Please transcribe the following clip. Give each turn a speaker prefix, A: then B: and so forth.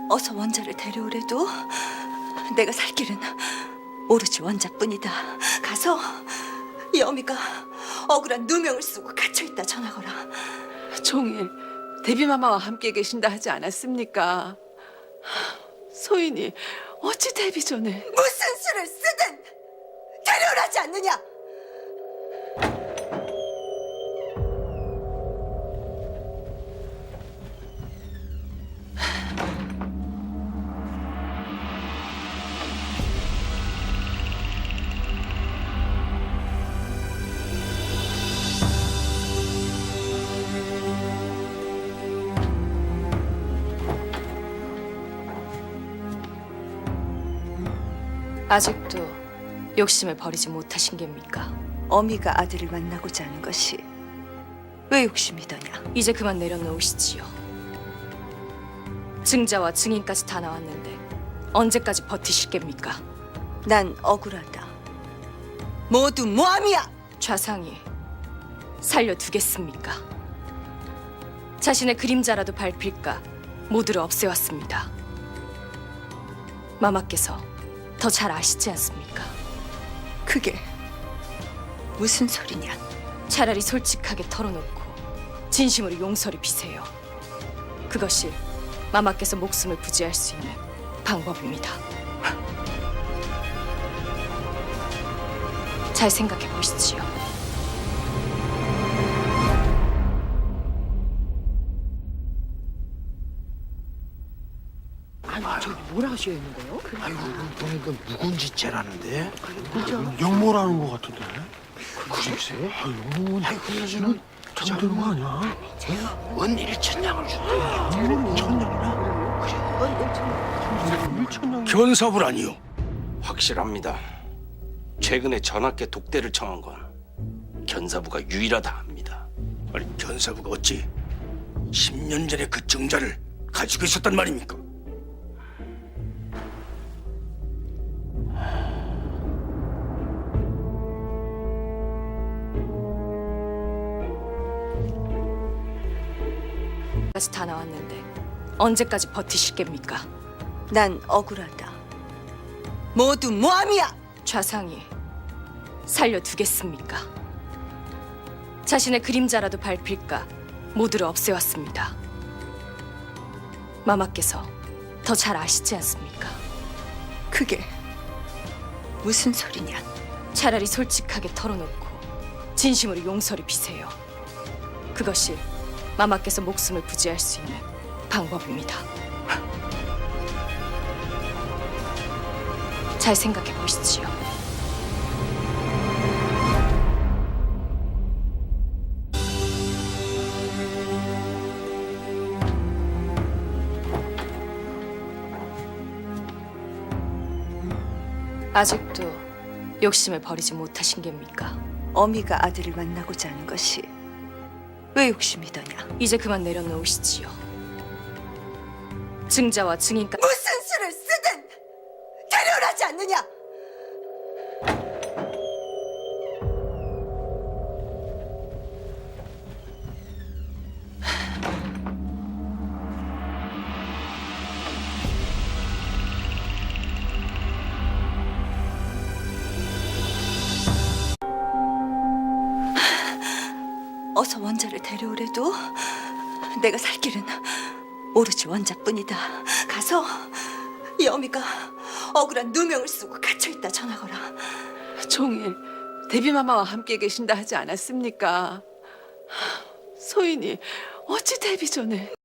A: 어서 원자를 데려오래도 내가 살 길은 오로지 원자뿐이다. 가서 이 어미가 억울한 누명을 쓰고 갇혀있다 전하거라.
B: 종일 데뷔마마와 함께 계신다 하지 않았습니까? 소인이 어찌 데뷔 전에
A: 무슨 수를 쓰든 데려오라지 않느냐?
C: 아직도 욕심을 버리지 못하신 겁니까?
A: 어미가 아들을 만나고자 하는 것이 왜 욕심이더냐?
C: 이제 그만 내려놓으시지요. 증자와 증인까지 다 나왔는데 언제까지 버티실 겁니까?
A: 난 억울하다. 모두 모함이야!
C: 좌상이 살려두겠습니까? 자신의 그림자라도 밟힐까 모두를 없애왔습니다. 마마께서 더 잘 아시지 않습니까?
A: 그게 무슨 소리냐?
C: 차라리 솔직하게 털어놓고 진심으로 용서를 비세요. 그것이 마마께서 목숨을 부지할 수 있는 방법입니다. 잘 생각해 보시지요.
B: 아니 저기 뭘 하셔야 하는 거예요?
D: 아이고, 보니까 묵은지째라는데? 영모라는 거 같은데? 글쎄? 아이고, 그나저나 잘못되는 거 아니야? 원 1천냥을 준다. 영모를 천냥이나?
E: 견사부라니요. 확실합니다. 최근에 전하께 독대를 청한 건 견사부가 유일하다 합니다.
D: 아니, 견사부가 어찌 10년 전에 그 증자를 가지고 있었단 말입니까?
C: 까지 다 나왔는데 언제까지 버티실 겁니까?
A: 난 억울하다. 모두 모함이야!
C: 좌상이 살려두겠습니까? 자신의 그림자라도 밟힐까 모두를 없애왔습니다. 마마께서 더 잘 아시지 않습니까?
A: 그게 무슨 소리냐?
C: 차라리 솔직하게 털어놓고 진심으로 용서를 비세요. 그것이 마마께서 목숨을 부지할 수 있는 방법입니다. 잘 생각해 보시지요. 아직도 욕심을 버리지 못하신 겁니까?
A: 어미가 아들을 만나고자 하는 것이 왜 욕심이더냐?
C: 이제 그만 내려놓으시지요. 증자와 증인까지
A: 무슨 수를 쓰든 데려오라지 않느냐? 어서 원자를 데려오래도 내가 살 길은 오로지 원자뿐이다. 가서 이 어미가 억울한 누명을 쓰고 갇혀있다 전하거라.
B: 종일 데뷔마마와 함께 계신다 하지 않았습니까? 소인이 어찌 데뷔 전에